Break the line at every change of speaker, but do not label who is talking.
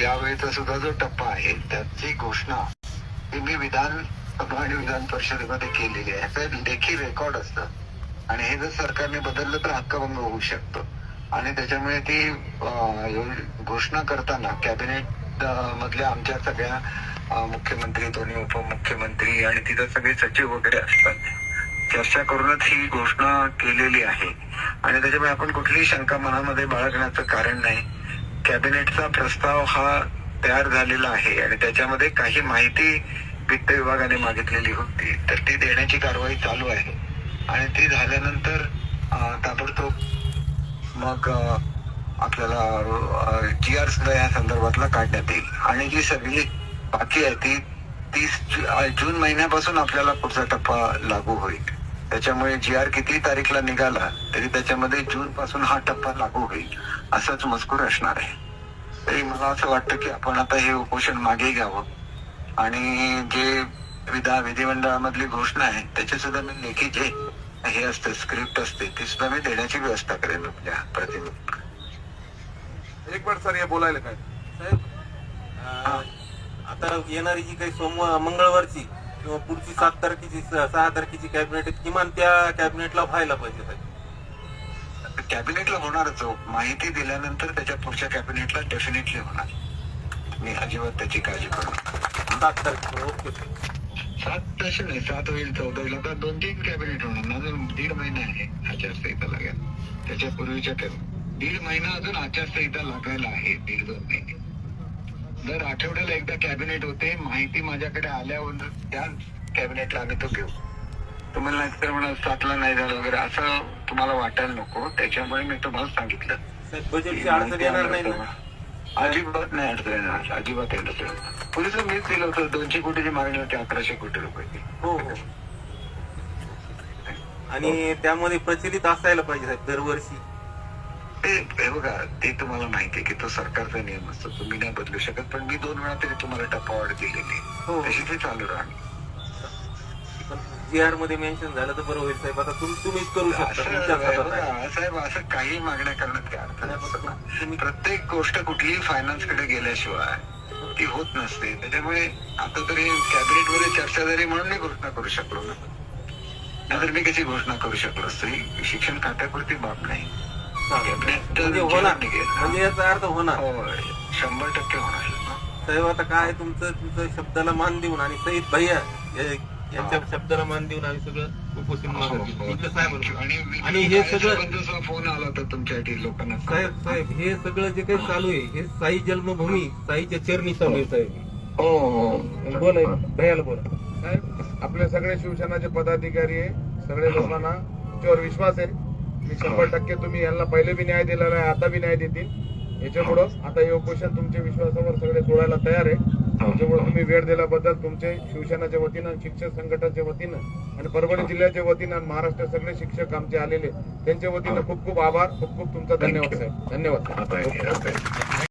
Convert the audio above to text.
यावेळेचा सुद्धा जो टप्पा आहे त्याची घोषणा ही मी विधानसभा आणि विधान परिषदेमध्ये केलेली आहे. ह्याचं लेखी रेकॉर्ड असतं आणि हे जर सरकारने बदललं तर हक्कभंग होऊ शकतो आणि त्याच्यामुळे ती घोषणा करताना कॅबिनेट मधल्या आमच्या सगळ्या मुख्यमंत्री, दोन्ही उपमुख्यमंत्री आणि तिथं सगळे सचिव वगैरे असतात, चर्चा करूनच ही घोषणा केलेली आहे आणि त्याच्यामुळे आपण कुठलीही शंका मनामध्ये बाळगण्याचं कारण नाही. कॅबिनेटचा प्रस्ताव हा तयार झालेला आहे आणि त्याच्यामध्ये काही माहिती वित्त विभागाने मागितलेली होती, तर ती देण्याची कारवाई चालू आहे आणि ती झाल्यानंतर ताबडतोब मग आपल्याला GR सुद्धा या संदर्भातला काढण्यात येईल आणि जी सगळी बाकी आहे ती 30 जून महिन्यापासून आपल्याला पुढचा टप्पा लागू होईल. त्याच्यामुळे GR किती तारीखला निघाला तरी त्याच्यामध्ये जून पासून हा टप्पा लागू होईल असाच मजकूर असणार आहे. तरी मला असं वाटतं की आपण आता हे उपोषण मागे घ्यावं आणि जे विधिमंडळामधली घोषणा आहे त्याचे सुद्धा मी लेखी जे हे असते स्क्रिप्ट असते ती सुद्धा मी देण्याची व्यवस्था करेन आपल्या प्रतिनिधी.
एक मिनिट सर, हे बोलायला काय
साहेब, आता येणारी जी काही मंगळवारची किंवा पुढची 7 तारखेची 6 तारखेची कॅबिनेट किमान त्या कॅबिनेटला व्हायला पाहिजे साहेब.
कॅबिनेटला होणारच हो. माहिती दिल्यानंतर त्याच्या पुढच्या कॅबिनेटला डेफिनेटली होणार. मी अजिबात त्याची काळजी करू नका.
7 तारखेला ओके.
7 तसे नाही, 7 होईल 14 होईल. आता 2-3 कॅबिनेट होणार ना, अजून 1.5 महिना आहे आचारसंहिता लागेल. त्याच्या पूर्वीच्या 1.5 महिना अजून आचारसंहिता लागायला आहे. 1.5-2 महिने. दर आठवड्याला एकदा कॅबिनेट होते. माहिती माझ्याकडे आल्यावर त्या कॅबिनेटला आम्ही तो घेऊ. तुम्हाला नाहीतर म्हणा 7ला नाही झालं वगैरे असं तुम्हाला वाटायला नको. त्याच्यामुळे मी तुम्हाला सांगितलं
बजेटची अडचण येणार नाही ना?
अजिबात नाही अडचण येणार, अजिबात अडचण. पोलिस मीच दिलं होतं 200 कोटीची मागणी होती, 1100 कोटी रुपये.
हो हो. आणि त्यामध्ये प्रचलित असायला पाहिजे साहेब दरवर्षी.
हे बघा, ते तुम्हाला माहिती आहे की तो सरकारचा नियम असतो, तुम्ही नाही बदलू शकत. पण मी 2 वेळा तरी तुम्हाला टप्पावाढ दिलेली
हो.
तशी ते चालू राहणार.
GR मध्ये मेन्शन झालं तर बरं होईल साहेब. आता तुम्हीच करू शकता.
साहेब असं काही मागण्या करण्यात काय अर्थ नाही. प्रत्येक गोष्ट कुठलीही फायनान्स कडे गेल्याशिवाय ती होत नसते. त्याच्यामुळे आता तरी कॅबिनेट मध्ये चर्चा झाली म्हणून मी घोषणा करू शकलो ना, नाहीतर मी कशी घोषणा करू शकलो असतो. शिक्षण खात्यापुरती बाब नाही.
म्हणजे याचा अर्थ होणार.
100% होणार
साहेब. आता काय तुमचं शब्दाला मान देऊन आणि सईद भैया यांच्या शब्दाला मान देऊन आम्ही सगळं उपोषण आणि हे सगळं
फोन आला होता तुमच्या लोकांना.
साहेब हे सगळं जे काही चालू आहे हे साई जन्मभूमी साईच्या चरणी चालू आहे साहेब.
हो
बोला भैयाला बोला.
साहेब, आपले सगळे शिवसेनाचे पदाधिकारी आहे, सगळे लोकांना तुमच्यावर विश्वास आहे. मी 100% तुम्ही यांना पहिले बी न्याय दिलेला आहे, आता बी न्याय देतील. याच्यामुळं आता हे उपोषण तुमच्या विश्वासावर सगळे सोडायला तयार आहे. त्याच्यामुळे तुम्ही वेळ दिल्याबद्दल तुमचे शिवसेनाच्या वतीनं, शिक्षक संघटनेच्या वतीनं आणि परभणी जिल्ह्याच्या वतीनं आणि महाराष्ट्र सगळे शिक्षक आमचे आलेले त्यांच्या वतीनं खूप खूप आभार, खूप खूप तुमचा धन्यवाद साहेब. धन्यवाद.